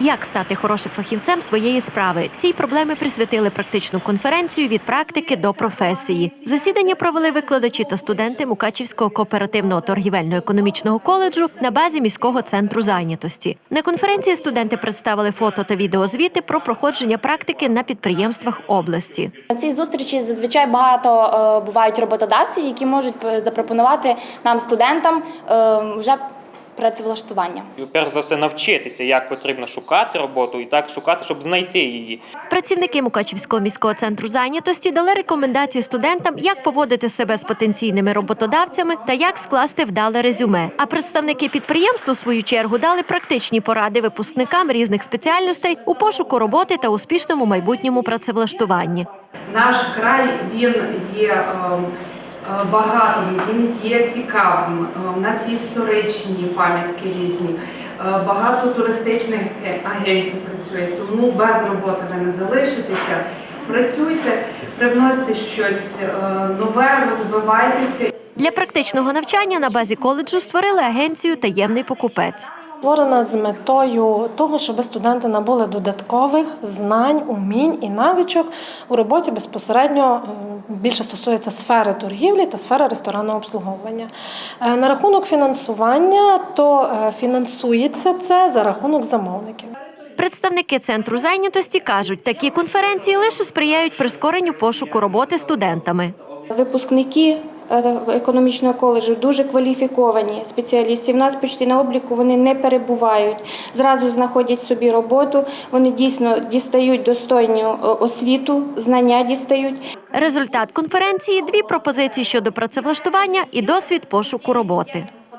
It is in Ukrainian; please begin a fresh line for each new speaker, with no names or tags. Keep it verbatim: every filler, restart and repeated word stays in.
Як стати хорошим фахівцем своєї справи? Цій проблемі присвятили практичну конференцію «Від практики до професії». Засідання провели викладачі та студенти Мукачівського кооперативного торгівельно-економічного коледжу на базі міського центру зайнятості. На конференції студенти представили фото та відеозвіти про проходження практики на підприємствах області.
На цій зустрічі зазвичай багато бувають роботодавців, які можуть запропонувати нам, студентам, вже працевлаштування.
Перш за все навчитися, як потрібно шукати роботу і так шукати, щоб знайти її.
Працівники Мукачівського міського центру зайнятості дали рекомендації студентам, як поводити себе з потенційними роботодавцями та як скласти вдале резюме. А представники підприємств, у свою чергу, дали практичні поради випускникам різних спеціальностей у пошуку роботи та успішному майбутньому працевлаштуванні.
Наш край, він є багатим, він є цікавим, у нас є історичні пам'ятки різні, багато туристичних агенцій працює, тому без роботи ви не залишитеся. Працюйте, привносите щось нове, розвивайтеся.
Для практичного навчання на базі коледжу створили агенцію «Таємний покупець».
Створена з метою того, щоб студенти набули додаткових знань, умінь і навичок у роботі безпосередньо більше стосується сфери торгівлі та сфери ресторанного обслуговування. На рахунок фінансування, то фінансується це за рахунок замовників.
Представники центру зайнятості кажуть, такі конференції лише сприяють прискоренню пошуку роботи студентами.
Випускники економічного коледжу дуже кваліфіковані спеціалісти. В нас почти на обліку вони не перебувають, зразу знаходять собі роботу, вони дійсно дістають достойну освіту, знання дістають.
Результат конференції – дві пропозиції щодо працевлаштування і досвід пошуку роботи.